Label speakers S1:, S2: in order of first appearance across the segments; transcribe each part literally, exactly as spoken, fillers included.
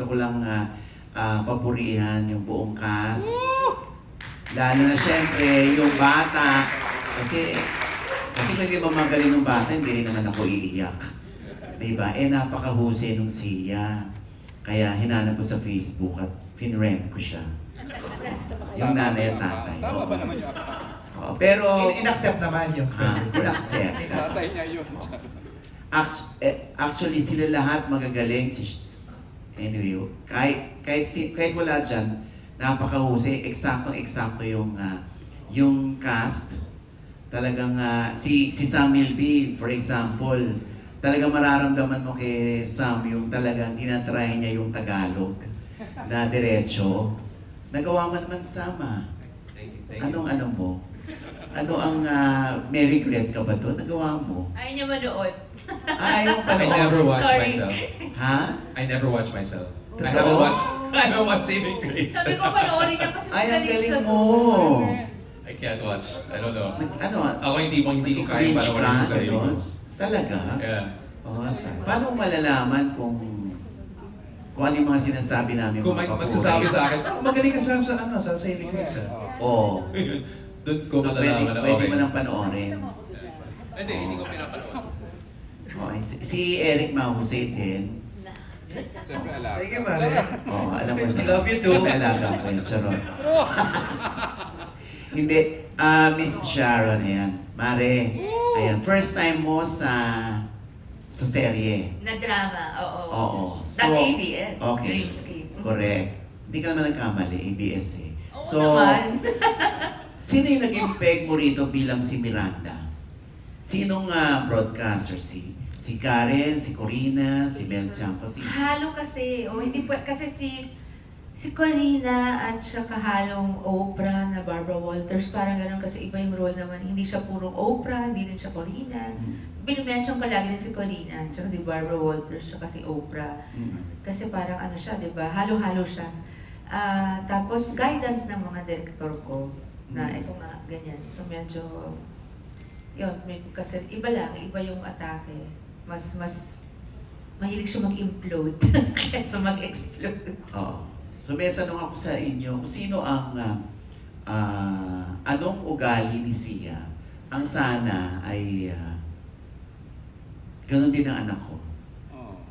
S1: Gusto ko lang uh, uh, papurihan yung buong cast. Lalo na syempre, yung bata. Kasi, kasi kung hindi mamagaling ng bata, hindi rin naman ako iiyak. Diba? Eh, napakahusay nung siya. Kaya hinanap ko sa Facebook at finrem ko siya. Yung nanay at tatay.
S2: Tama
S1: Oo.
S2: ba naman yun?
S1: Oo, pero...
S3: In- In-accept naman yung
S1: Ah,
S3: friend
S1: in-accept.
S2: Tatay niya yun.
S1: Act- eh, actually, sila lahat magagaling. Si, anyway, kahit, kahit, si, kahit wala dyan, napakahusay, eksaktong-eksakto yung, ah, yung cast. Talagang ah, si, si Sam Milby, for example, talagang mararamdaman mo kay Sam yung talagang tinatry niya yung Tagalog na diretso. Nagawa mo naman, Sam, ah.
S3: Thank you, thank you.
S1: Anong ano mo? Ano ang uh, may regret ka ba doon? Nagawa mo?
S4: Ayaw niya manood.
S1: Ah, ayaw pa
S5: I never watch
S4: Sorry.
S5: myself.
S1: Ha?
S5: I never watch myself. I
S1: Totoo?
S5: haven't watched. I haven't watched Saving Grace.
S4: Sabi ko panoorin niya kasi
S1: Ay, ang
S4: magaling
S1: galing
S4: siya
S1: mo!
S4: doon.
S5: I can't watch. I don't know.
S1: Nag, ano?
S5: Ako hindi mo hindi ko kaya
S1: nag-cringe
S5: para wala
S1: ka,
S5: sa sarili ko.
S1: gano'n? Talaga?
S5: Yeah.
S1: Oh, sa- paano mo malalaman kung kung ano yung mga sinasabi namin
S5: Kung
S1: mga
S5: mag
S1: papuri?
S5: magsasabi sa akin, oh, magaling ka sa sa ano, sa Saving Grace. ah."
S1: Oo.
S5: Doon ko
S1: So, pwede,
S5: malalaman na
S1: pwede
S5: okay.
S1: mo nang panoorin.
S5: Hindi, hindi ko pinapanood.
S1: Okay. Si, si Eric mahusay din.
S2: Siyempre alaga.
S3: Thank you, Mare.
S1: Oo, alam mo na.
S3: I love you too.
S1: Siyempre, alaga ko yun. Charot. Hindi. Ah, Miss Sharon, ayan. Mare, ayan. First time mo sa sa serye.
S4: Na drama, oo.
S1: Oo.
S4: That A B S,
S1: Okay.
S4: Dreamscape.
S1: Correct. Hindi ka naman nagkamali, A B S eh.
S4: Oo
S1: So,
S4: naman.
S1: sino yung naging peg mo rito bilang si Miranda? Sinong ah, broadcaster? Si si Karen, si Corina, si Mel Champo, si...
S4: Halo kasi, o hindi po, kasi si si Corina at saka halong Oprah na Barbara Walters, parang gano'n kasi iba yung role naman. Hindi siya purong Oprah, hindi rin siya Corina.
S1: Mm.
S4: Binumention ko lagi rin si Corina, tsaka si Barbara Walters, tsaka si Oprah.
S1: Mm.
S4: Kasi parang ano siya, di ba? Halo-halo siya. Ah, tapos guidance ng mga director ko na
S1: Mm.
S4: ito nga, ganyan. So medyo, yun, may, kasi iba lang, iba yung atake. Mas, mas, mahilig siya mag-implode kaysa mag-explode.
S1: Oo. So may tanong ako sa inyo, kung sino ang, ah, ah, anong ugali ni Sia ang sana ay ah, ganun din ang anak ko.
S2: Oh.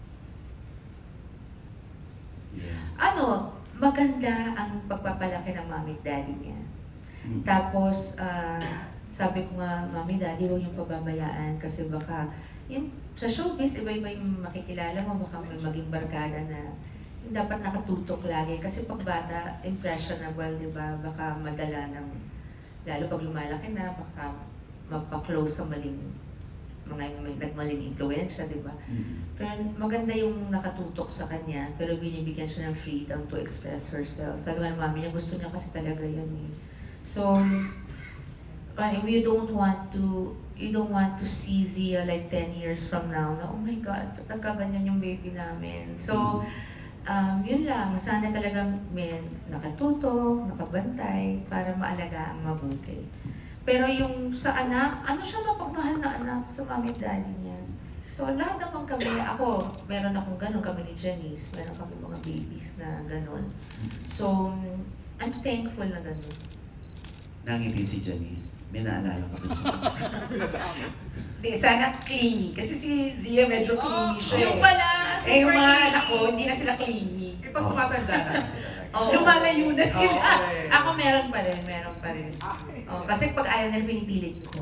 S1: Yes.
S4: Ano, maganda ang pagpapalaki ng mami at daddy niya.
S1: Mm.
S4: Tapos, ah, sabi ko nga, mami, daddy, huwag yung pababayaan kasi baka, yung, sa showbiz, iba-iba yung makikilala mo, baka may maging barkada na dapat nakatutok lagi. Kasi pag bata, impressionable, di ba? Baka madala ng, lalo pag lumalaki na, baka mapaklose sa maling, mga may nagmaling impluensya, di ba?
S1: Mm.
S4: Pero maganda yung nakatutok sa kanya, pero binibigyan siya ng freedom to express herself. Sabi nga ng mami niya, gusto niya kasi talaga yun eh. So, parang we don't want to, you don't want to see Zia like ten years from now na, oh my God, ba't nagkaganyan yung baby namin? So, um, yun lang, sana talagang may nakatutok, nakabantay, para maalagaan mabuti. Pero yung sa anak, ano siya mapagmahal na anak sa mami at daddy niya. So lahat naman kami, ako, meron akong ganun, kami ni Janice, meron kami mga babies na ganun. So, I'm thankful na ganun.
S1: Nangiti si Janice. May naalala ko ba Janice?
S3: Hindi, sana clingy. Kasi si Zia medyo clingy siya
S4: yung
S3: eh.
S4: pala,
S3: Eh, yung
S4: super
S3: mga
S4: clingy.
S3: anak ko, hindi na sila clingy. Eh, pag
S1: Oh.
S3: tumatanda na kasi talaga.
S4: Oo.
S3: Lumalayo na sila.
S4: Oo. Ako meron pa rin, meron pa rin. Oh, kasi pag ayaw nila, pinipilit ko.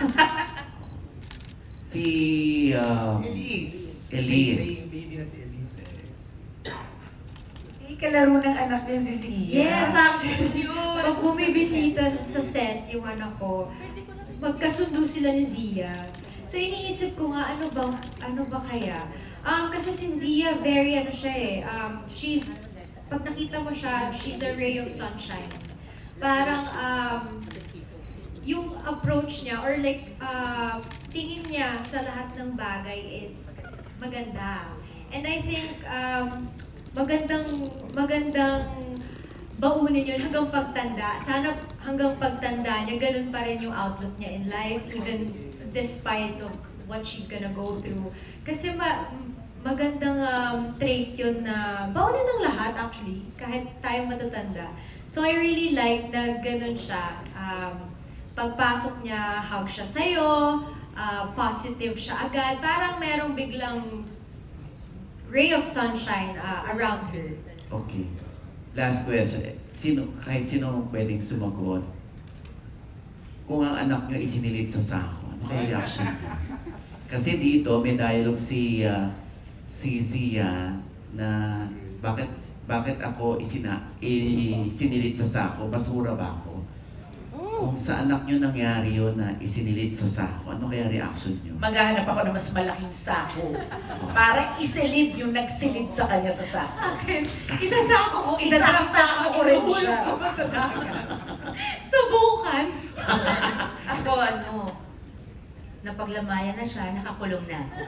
S1: Si... ah,
S3: Elise.
S1: Elise.
S3: Baby, baby na si Elise eh. Eh, kalaro ng anak niya si Zia.
S6: Yes, actually, pag bumibisita sa set yung anak ko, magkasundo sila ni Zia. So iniisip ko nga, ano ba, ano ba kaya? Um, kasi si Zia, very ano siya eh, um, she's, pag nakita mo siya, she's a ray of sunshine. Parang, um, yung approach niya, or like, uh, tingin niya sa lahat ng bagay is maganda. And I think, um, magandang, magandang baunin yun hanggang pagtanda. Sana hanggang pagtanda niya, ganun pa rin yung outlook niya in life, even despite of what she's gonna go through. Kasi ma magandang um, trait yun na bawal ng lahat actually, kahit tayo matatanda. So I really like na ganun siya. Um, pagpasok niya, hug siya sa'yo, uh, positive siya agad. Parang merong biglang ray of sunshine uh, around her.
S1: Okay. Last question. Sino, kahit sino pwedeng sumagot, kung ang anak nyo isinilit sa sako, ano kaya reaction niyo? Kasi dito may dialogue si uh, si Zia na bakit bakit ako isina isinilit sa sako, basura ba ako? Kung sa anak nyo nangyari yun na isinilit sa sako, ano kaya reaction nyo?
S3: Maghahanap ako ng mas malaking sako. Para isilid yung nagsilid sa kanya sa sako.
S4: Akin, isasako ko,
S3: Isasako ko rin siya.
S4: Ihulog ko pa sa dagat. Subukan. Ako ano, napaglamayan na siya, nakakulong na ako.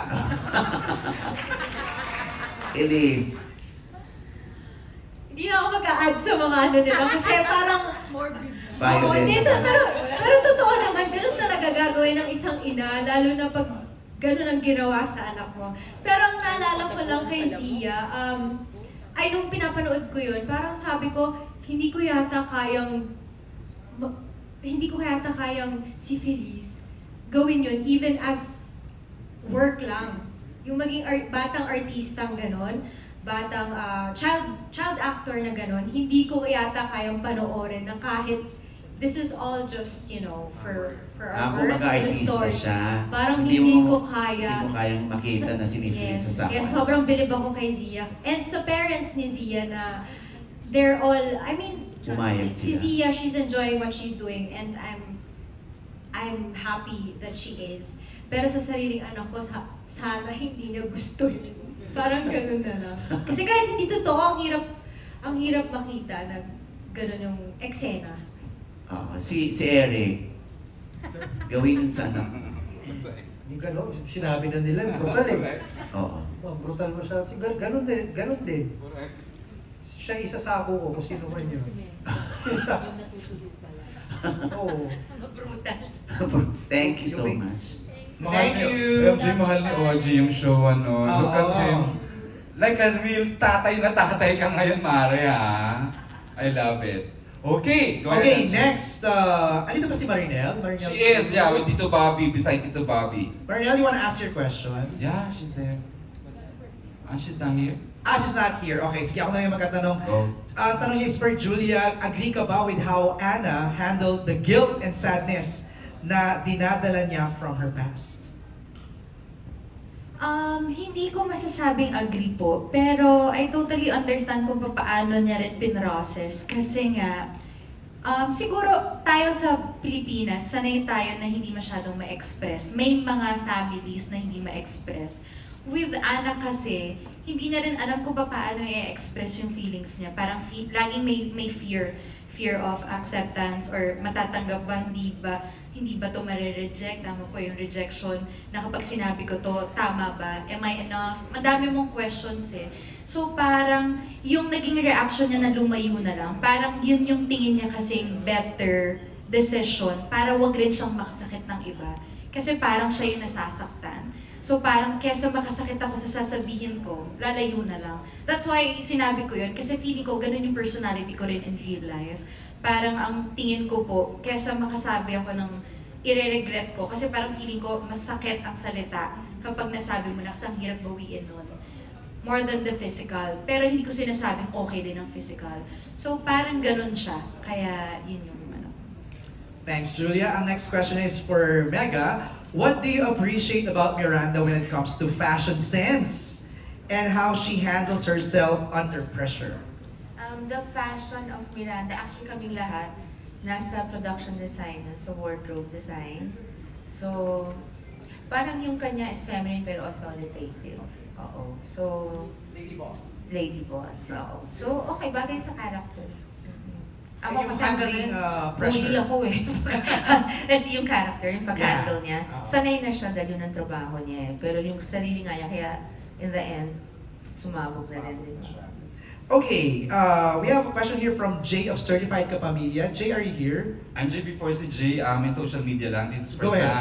S1: Elise,
S6: Hindi na ako mag-a-add sa mga ano nila kasi parang Oo,
S1: violence.
S6: hindi, to- pero, pero totoo naman, ganun talaga gagawin ng isang ina, lalo na pag ganun ang ginawa sa anak mo. Pero ang naalala ko lang kay Zia, um, ay nung pinapanood ko yun, parang sabi ko, hindi ko yata kayang, ma- hindi ko yata kayang si Feliz gawin yun, even as work lang. Yung maging art, batang artistang ganon, batang ah, child child actor na ganon, hindi ko yata kayang panoorin na kahit this is all just, you know, for for our
S1: Ako
S6: work, the
S1: mag-artista
S6: story.
S1: siya.
S6: Parang hindi ko
S1: mo-
S6: kaya.
S1: Hindi mo kayang makita na sinisilid
S6: Yes.
S1: sa sako.
S6: Yes, sobrang bilib ako kay Zia. And sa parents ni Zia na they're all, I mean,
S1: Pumayag
S6: si
S1: sila.
S6: Zia, she's enjoying what she's doing and I'm I'm happy that she is. Pero sa sariling anak ko, sa, sana hindi niya gusto yun. Parang ganun na lang. Kasi kahit hindi totoo, ang hirap, ang hirap makita na ganun yung eksena.
S1: Oo, si, si Eric, gawin yun sa anak.
S7: Yung gano'n, sinabi na nila, brutal eh.
S2: Correct.
S1: Oo.
S7: Oh, brutal mo siya. Sig- Ganon din, ganon din.
S2: Correct.
S7: Siya isasako ko kung sino man yun. Isa. Oo.
S4: Brutal.
S1: Thank you so much.
S2: Mahal
S7: Thank
S2: ni-
S7: you.
S2: M J, mahal ni O G yung show, ano. Look at
S5: Oo.
S2: him. Like a real tatay na tatay ka ngayon, Mare, ha? I love it. Okay, go
S7: Okay,
S2: ahead.
S7: next. Uh, andito ba si Marinel? Marinel?
S2: She is, yeah, with Tito Bobby, beside Tito Bobby.
S7: Marinel, you wanna ask your question?
S2: Yeah, she's there. Ah, she's not here?
S7: Ah, she's not here. Okay, sige ako na yung magtatanong.
S2: Go.
S7: Ang tanong niya is for Julia, agree ka ba with how Anna handled the guilt and sadness na dinadala niya from her past?
S8: Um, hindi ko masasabing agree po, pero I totally understand kung paano niya rin pinrocess. Kasi nga, um, siguro tayo sa Pilipinas, sanay tayo na hindi masyadong ma-express. May mga families na hindi ma-express. With Anna kasi, hindi niya rin alam kung paano i-express yung feelings niya. Parang fe- laging may, may fear, fear of acceptance or matatanggap ba, hindi ba, hindi ba to mare-reject? Tama po yung rejection na kapag sinabi ko to, tama ba? Am I enough? Madami mong questions eh. So parang yung naging reaction niya na lumayo na lang, parang yun yung tingin niya kasing better decision para wag rin siyang makasakit ng iba. Kasi parang siya yung nasasaktan. So parang kesa makasakit ako sa sasabihin ko, lalayo na lang. That's why sinabi ko yun, kasi feeling ko ganun yung personality ko rin in real life. Parang ang tingin ko po, kesa makasabi ako ng ire-regret ko, kasi parang feeling ko mas sakit ang salita kapag nasabi mo na kasi ang hirap bawiin nun. More than the physical. Pero hindi ko sinasabing okay din ang physical. So parang ganun siya. Kaya yun yung ano.
S7: Thanks, Julia. Ang next question is for Mega. What do you appreciate about Miranda when it comes to fashion sense and how she handles herself under pressure?
S4: Um, the fashion of Miranda, actually kaming lahat, nasa production design, sa wardrobe design. So, parang yung kanya is feminine pero authoritative. Oo. So,
S7: Lady boss.
S4: lady boss. Oo. So, okay, bagay sa character. Mhm.
S7: And
S4: Ako
S7: yung
S4: kasi ang
S7: handling,
S4: gawin,
S7: uh, pressure.
S4: bully ako eh. Kasi yung character, yung pag-handle niya,
S7: Oo.
S4: sanay na siya dahil yun ang trabaho niya eh. Pero yung sarili nga niya, kaya in the end, sumabog na rin din siya.
S7: Okay, uh, we have a question here from Jay of Certified Kapamilya. Jay, are you here?
S9: I'm Jay before si Jay, uh, may social media lang. This is for
S7: Go ahead.
S9: Sam.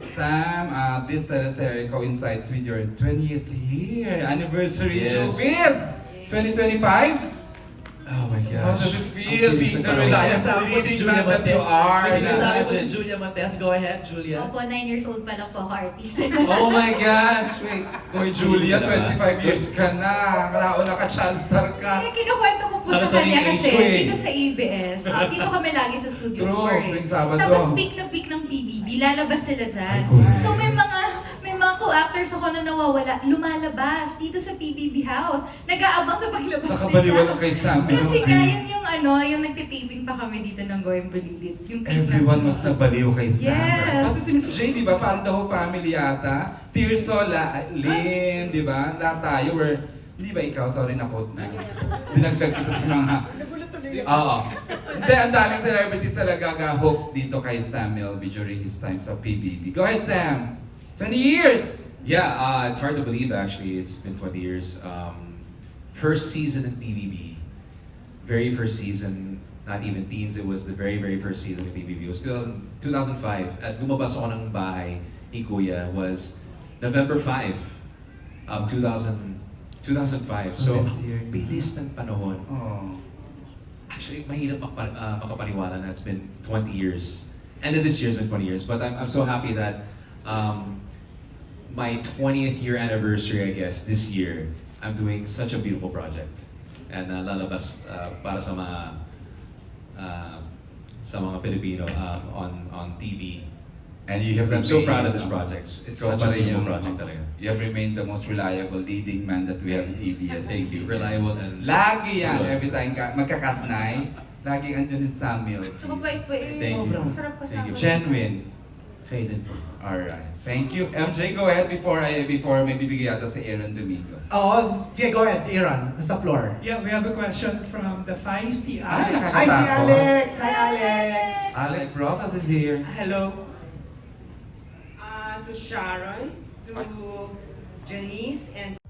S2: Sam, uh, this teleserye coincides with your twentieth year anniversary
S5: Yes.
S2: showbiz! twenty twenty-five?
S5: Oh my gosh.
S2: How does it feel
S5: Ang bilis
S2: being
S5: ng
S2: the
S5: panahon.
S7: May
S2: reliable
S7: sinasabi ko si
S2: leading
S7: Julia
S2: man that you
S7: Montes.
S2: are?
S7: May sinasabi ko si
S2: Imagine.
S7: Julia Montes. Go ahead, Julia.
S8: Opo, nine years old pa lang po ako artist.
S5: Oh my gosh. Wait.
S2: Hoy Julia, twenty-five years ka na. Nauna ka, child star ka.
S8: Kaya kinukwento ko po sa
S5: Parang
S8: kanya
S5: age
S8: kasi
S5: ko eh.
S8: dito sa A B S, ah, dito kami lagi sa Studio
S2: True,
S8: four eh.
S2: tuwing Sabado.
S8: Tapos peak na peak ng P B B, lalabas sila dyan.
S2: Ay, correct.
S8: So may mga may mga co-actors ako na nawawala, lumalabas dito sa P B B house. Nag-aabang sa paglabas
S2: Sa
S8: nila.
S2: kabaliwan ng kay Sam.
S8: Kasi nga, yun yung ano, yung nagtitaping pa kami dito ng Goyang Bulilit. Yung peak na
S2: Everyone
S8: peak.
S2: mas nabaliw kay Sam.
S8: Yes.
S2: Pati si Miss J, di ba? Parang the whole family ata. Tirsola, Lynn, di ba? Lahat tayo were, hindi ba ikaw? Sorry na quote na. Dinagdag kita sa mga... Oo. Hindi, ang daming celebrities talaga ga-hook dito kay Sam Melby during his time sa P B B. Go ahead, Sam! twenty years!
S5: Yeah, uh, it's hard to believe actually. It's been twenty years. Um, first season in P B B. Very first season, not even teens, it was the very, very first season in P B B. It was two thousand, two thousand five. At lumabas ako ng bahay ni Kuya was November fifth, um, two thousand, two thousand five.
S1: So
S5: So,
S1: this year.
S5: bilis ng panahon.
S2: Oh.
S5: Actually, mahirap makapa, uh, makapaniwala na it's been twenty years. End of this year has been twenty years. But I'm, I'm so happy that um, my twentieth year anniversary, I guess, this year, I'm doing such a beautiful project. And uh, lalabas uh, para sa mga uh, sa mga Pilipino um, on on T V.
S2: And you have
S5: Because I'm so
S2: remained,
S5: proud of this
S2: uh,
S5: project. It's
S2: ikaw
S5: such
S2: pa
S5: a
S2: rin
S5: beautiful
S2: yung-
S5: project talaga.
S2: You have remained the most reliable leading man that we have in A B S.
S5: Thank you. Reliable and
S2: Lagi yan,
S5: Good.
S2: every time ka, magkakasnay, laging andyan yung Samuel.
S8: Tsaka pa pa eh.
S2: Thank you.
S8: Sobrang sarap
S5: Thank
S8: kasama.
S5: you.
S2: Genuine.
S5: kayo din po.
S2: Alright. Thank you. M J, go ahead before I before may bibigay yata si Aaron Domingo.
S7: Oo, sige, go ahead, Aaron. Nasa floor.
S9: Yeah, we have a question from the feisty
S2: Ay,
S9: Alex.
S7: Hi, si
S2: Tapos?
S7: Alex! Hi, Alex!
S2: Alex Rosas is here.
S3: Hello. Uh, to Sharon, to Janice, and